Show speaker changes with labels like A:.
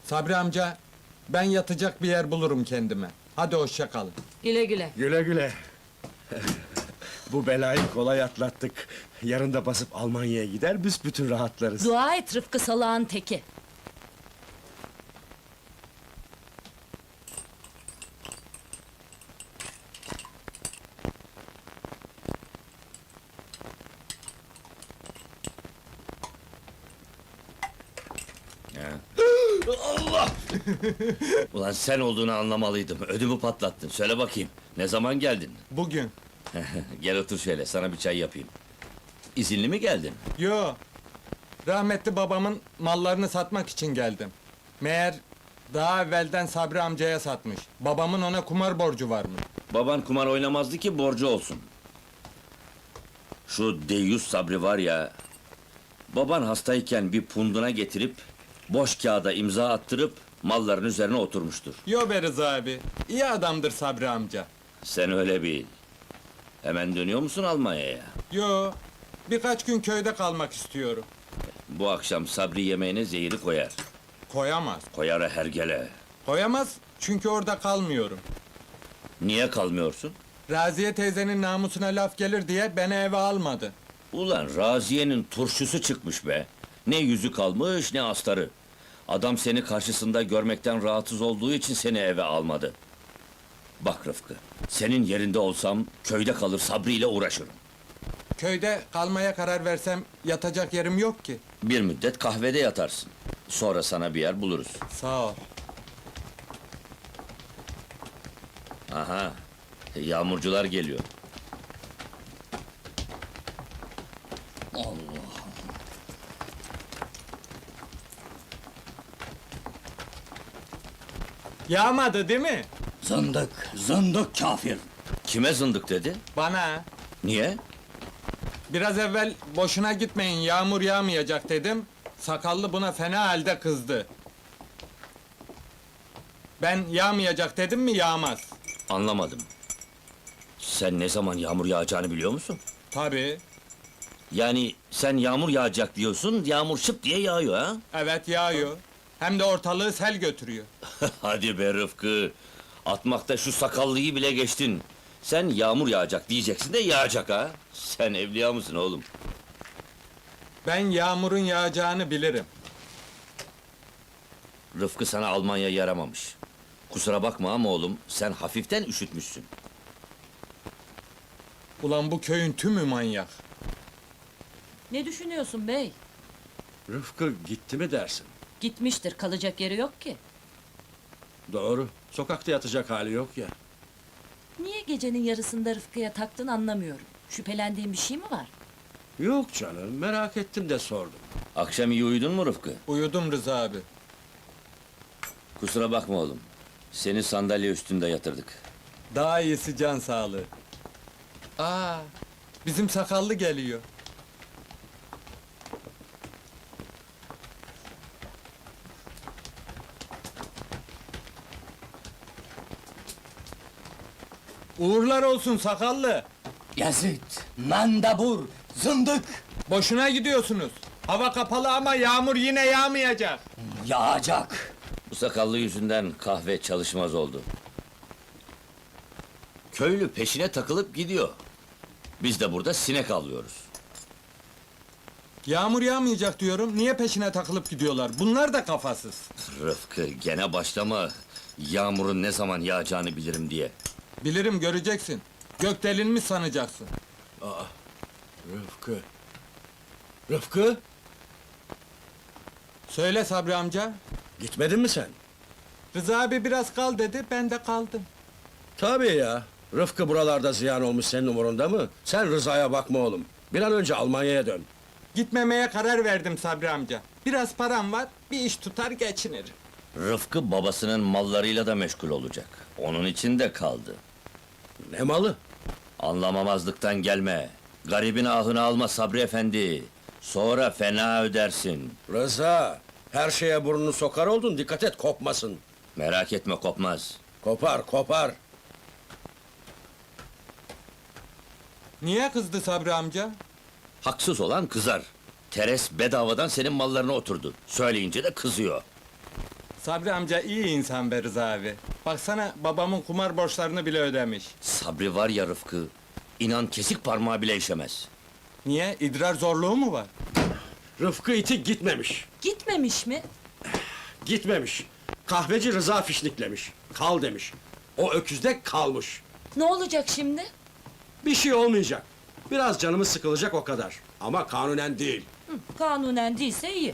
A: Sabri amca, ben yatacak bir yer bulurum kendime. Hadi hoşça kalın.
B: Güle güle.
C: Güle güle. Bu belayı kolay atlattık. Yarın da basıp Almanya'ya gider, büsbütün rahatlarız.
B: Dua et Rıfkı salağın teki.
D: Allah! Ulan sen olduğunu anlamalıydım. Ödümü patlattın. Söyle bakayım. Ne zaman geldin?
A: Bugün.
D: Gel otur şöyle. Sana bir çay yapayım. İzinli mi geldin?
A: Yo. Rahmetli babamın mallarını satmak için geldim. Meğer daha evvelden Sabri amcaya satmış. Babamın ona kumar borcu varmış.
D: Baban kumar oynamazdı ki borcu olsun. Şu deyyus Sabri var ya... Baban hastayken bir punduna getirip... Boş kağıda imza attırıp... Malların üzerine oturmuştur.
A: Yo be Rıza abi. İyi adamdır Sabri amca.
D: Sen öyle bil. Hemen dönüyor musun Almanya'ya?
A: Yo. Birkaç gün köyde kalmak istiyorum.
D: Bu akşam Sabri yemeğine zehiri koyar.
A: Koyamaz.
D: Koyar hergele.
A: Koyamaz çünkü orada kalmıyorum.
D: Niye kalmıyorsun?
A: Raziye teyzenin namusuna laf gelir diye beni eve almadı.
D: Ulan Raziye'nin turşusu çıkmış be! Ne yüzü kalmış, ne astarı! Adam seni karşısında görmekten rahatsız olduğu için seni eve almadı. Bak Rıfkı, senin yerinde olsam köyde kalır Sabri ile uğraşırım.
A: Köyde kalmaya karar versem yatacak yerim yok ki.
D: Bir müddet kahvede yatarsın. Sonra sana bir yer buluruz.
A: Sağ ol.
D: Aha, yağmurcular geliyor.
A: Yağmadı değil mi?
E: Zındık, zındık kafir.
D: Kime zındık dedi?
A: Bana.
D: Niye?
A: Biraz evvel boşuna gitmeyin yağmur yağmayacak dedim. Sakallı buna fena halde kızdı. Ben yağmayacak dedim mi yağmaz.
D: Anlamadım. Sen ne zaman yağmur yağacağını biliyor musun?
A: Tabii.
D: Yani sen yağmur yağacak diyorsun, yağmur şıp diye yağıyor ha?
A: Evet yağıyor. Hem de ortalığı sel götürüyor.
D: Hadi be Rıfkı! Atmakta şu sakallıyı bile geçtin. Sen yağmur yağacak diyeceksin de yağacak ha? Sen evliya mısın oğlum?
A: Ben yağmurun yağacağını bilirim.
D: Rıfkı sana Almanya yaramamış. Kusura bakma ama oğlum, sen hafiften üşütmüşsün.
A: Ulan bu köyün tümü manyak.
B: Ne düşünüyorsun bey?
C: Rıfkı gitti mi dersin?
B: Gitmiştir, kalacak yeri yok ki.
C: Doğru, sokakta yatacak hali yok ya.
B: Niye gecenin yarısında Rıfkı'ya taktın anlamıyorum. Şüphelendiğin bir şey mi var?
C: Yok canım, merak ettim de sordum.
D: Akşam iyi uyudun mu Rıfkı?
A: Uyudum Rıza abi.
D: Kusura bakma oğlum. Seni sandalye üstünde yatırdık.
A: Daha iyisi can sağlığı. Aa, bizim sakallı geliyor. Uğurlar olsun sakallı.
E: Yazıt, mandabur, zındık.
A: Boşuna gidiyorsunuz. Hava kapalı ama yağmur yine yağmayacak.
E: Yağacak.
D: Bu sakallı yüzünden kahve çalışmaz oldu. Köylü peşine takılıp gidiyor. Biz de burada sinek avlıyoruz.
A: Yağmur yağmayacak diyorum. Niye peşine takılıp gidiyorlar? Bunlar da kafasız.
D: Rıfkı, gene başlama. Yağmurun ne zaman yağacağını bilirim diye.
A: Bilirim göreceksin. Gök delinmiş sanacaksın.
C: Rıfkı. Rıfkı,
A: Söyle Sabri amca.
C: gitmedin mi sen?
A: Rıza abi biraz kal dedi, ben de kaldım.
C: Tabii ya. Rıfkı buralarda ziyan olmuş, senin umurunda mı? Sen Rıza'ya bakma oğlum. Bir an önce Almanya'ya dön.
A: Gitmemeye karar verdim Sabri amca. Biraz param var, bir iş tutar geçinirim.
D: Rıfkı babasının mallarıyla da meşgul olacak. Onun için de kaldı.
C: Ne malı?
D: Anlamamazlıktan gelme. Garibin ahını alma Sabri efendi. Sonra fena ödersin.
C: Rıza, her şeye burnunu sokar oldun, dikkat et kopmasın.
D: Merak etme, kopmaz.
C: Kopar, kopar.
A: Niye kızdı Sabri amca?
D: Haksız olan kızar. Teres bedavadan senin mallarına oturdu. Söyleyince de kızıyor.
A: Sabri amca iyi insan be Rıza abi. Baksana babamın kumar borçlarını bile ödemiş.
D: Sabri var ya Rıfkı, inan kesik parmağı bile işemez.
A: Niye? İdrar zorluğu mu var?
C: Rıfkı iti gitmemiş.
B: Gitmemiş mi?
C: Gitmemiş. Kahveci Rıza fişniklemiş. Kal demiş. O öküzde kalmış.
B: Ne olacak şimdi?
C: Bir şey olmayacak. Biraz canımız sıkılacak o kadar. Ama kanunen değil.
B: Kanunen değilse iyi.